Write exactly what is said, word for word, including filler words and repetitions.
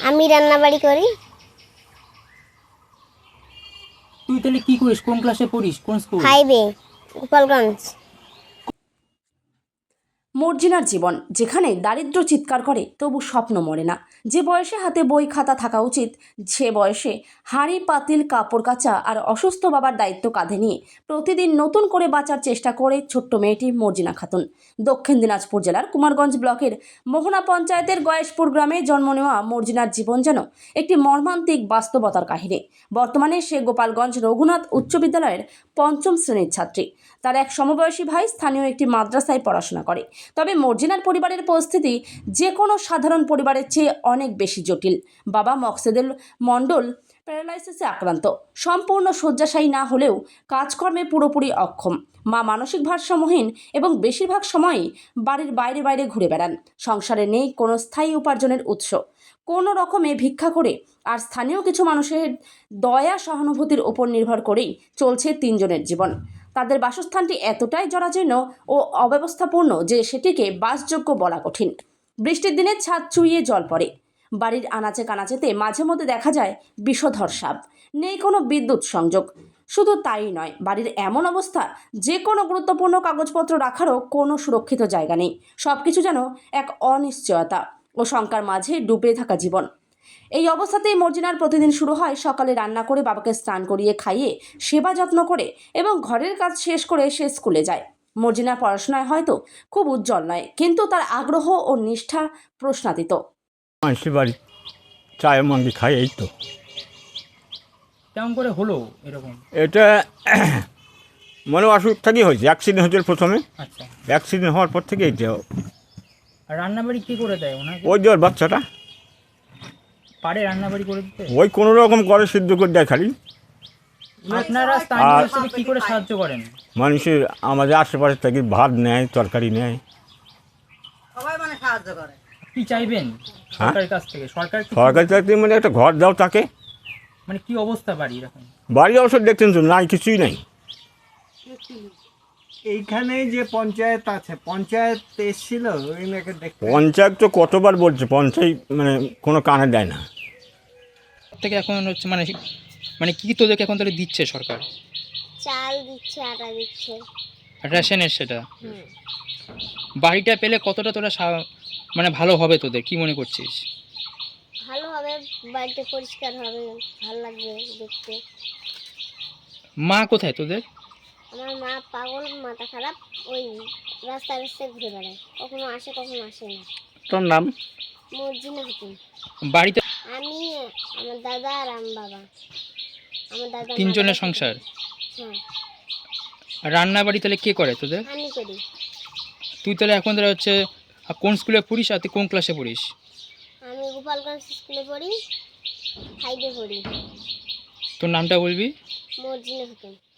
আমি রান্নাবাড়ি করি। তুই তাহলে কি করিস? কোন ক্লাসে পড়িস? কোন স্কুল? ফাইভে, গোপালগঞ্জ। মর্জিনার জীবন, যেখানে দারিদ্র্য চিৎকার করে তবু স্বপ্ন মরে না। যে বয়সে হাতে বই খাতা থাকা উচিত, সে বয়সে হাঁড়ি পাতিল কাপড় কাচা আর অসুস্থ বাবার দায়িত্ব কাঁধে নিয়ে প্রতিদিন নতুন করে বাঁচার চেষ্টা করে ছোট্ট মেয়েটি মর্জিনা খাতুন। দক্ষিণ দিনাজপুর জেলার কুমারগঞ্জ ব্লকের মোহনা পঞ্চায়েতের গয়েশপুর গ্রামে জন্ম নেওয়া মর্জিনার জীবন যেন একটি মর্মান্তিক বাস্তবতার কাহিনী। বর্তমানে সে গোপালগঞ্জ রঘুনাথ উচ্চ বিদ্যালয়ের পঞ্চম শ্রেণীর ছাত্রী। তার এক সমবয়সী ভাই স্থানীয় একটি মাদ্রাসায় পড়াশোনা করে। তবে মর্জিনার পরিবারের পরিস্থিতি যে কোনো সাধারণ পরিবারের চেয়ে অনেক বেশি জটিল। বাবা মকসেদুল মণ্ডল প্যারালাইসিসে আক্রান্ত, সম্পূর্ণ শয্যাশায়ী না হলেও কাজকর্মে পুরোপুরি অক্ষম। মা মানসিক ভারসাম্যহীন এবং বেশিরভাগ সময়ই বাড়ির বাইরে বাইরে ঘুরে বেড়ান। সংসারে নেই কোনো স্থায়ী উপার্জনের উৎস, কোনো রকমে ভিক্ষা করে আর স্থানীয় কিছু মানুষের দয়া সহানুভূতির উপর নির্ভর করেই চলছে তিনজনের জীবন। তাদের বাসস্থানটি এতটাই জরাজীর্ণ ও অব্যবস্থাপূর্ণ যে সেটিকে বাসযোগ্য বলা কঠিন। বৃষ্টির দিনে ছাদ চুইয়ে জল পড়ে, বাড়ির আনাচে কানাচেতে মাঝে মধ্যে দেখা যায় বিষধর সাপ, নেই কোনো বিদ্যুৎ সংযোগ। শুধু তাই নয়, বাড়ির এমন অবস্থা যে কোনো গুরুত্বপূর্ণ কাগজপত্র রাখারও কোনো সুরক্ষিত জায়গা নেই। সব কিছু যেন এক অনিশ্চয়তা ও শঙ্কার মাঝে ডুবে থাকা জীবন। এই অবস্থাতেই মর্জিনার প্রতিদিন শুরু হয় সকালে রান্না করে বাবাকে স্নান করিয়ে খাইয়ে সেবা যত্ন করে এবং ঘরের কাজ শেষ করে সে স্কুলে যায়। মর্জিনার পড়াশোনায় হয়তো খুব উজ্জ্বল নয়, কিন্তু তার আগ্রহ ও নিষ্ঠা প্রশ্নাতীত। মানুষের বাড়ি চায়ের মন্দি খাই, এই তো। কেমন করে হলো এরকম? এটা মনে অসুখ থেকেই হয়েছে। অ্যাক্সিডেন্ট হয়েছিল প্রথমে, আচ্ছা, অ্যাক্সিডেন্ট হওয়ার পর থেকে এইটা। আর রান্নাবাড়ি কি করে দেয় ওনাকে? ওই যে ওর বাচ্চাটা পারে রান্নাবাড়ি করে দিতে? ওই কোনো রকম করে সিদ্ধ করে দেয় খালি। আপনারা স্থানীয় হিসেবে কি করে সাহায্য করেন? মানুষের আমাদের আশেপাশে থেকে ভাত নেয়, তরকারি নেয়। সবাই মানে সাহায্য করে। কি চাইবেন সরকারের কাছ থেকে? সরকার কি- সরকারি চাকরি মানে একটা ঘর দাও তাকে। মানে কি অবস্থা বাড়ি এরকম? বাড়ি অবশ্য দেখতেন তো, নাই, কিছুই নাই। এইখানে যে পঞ্চায়েত আছে, পঞ্চায়েত এসেছিল ওই মেয়েকে দেখতে। পঞ্চায়েত তো কতবার বলছে, পঞ্চায়েত মানে কোনো কানে দেয় না। থেকে এখন হচ্ছে মানে মানে কি তোদেরকে এখন তাহলে দিচ্ছে সরকার? চাল দিচ্ছে, আটা দিচ্ছে। রেশনের সেটা। হুম। বাড়িটা পেলে কতটা তোরা সা- মানে ভালো হবে তোদের, কি মনে করছিস? ভালো হবে, বাড়িটা পরিষ্কার হবে, ভালো লাগবে দেখতে। মা কোথায় তোদের? আমার মা পাগল, মাথা খারাপ, ওই রাস্তায় রাস্তায় ঘুরে বেড়ায়, কখনো আসে কখনো আসে না। তোর নাম? মর্জিনা খাতুন। বাড়িতে আমি, আমার দাদা আর আমার বাবা। আমার দাদা তিনজনের মারা গেছে। সংসার। হ্যাঁ, আর রান্না বাড়ি তাহলে কে করে তোদের? আমি করি। তুই তাহলে এখন তাহলে হচ্ছে আহ, কোন স্কুলে পড়িস আর তুই কোন ক্লাসে পড়িস? আমি গোপালগঞ্জ স্কুলে পড়ি, ফাইভে পড়ি। তোর নামটা বলবি? মর্জিনা খাতুন।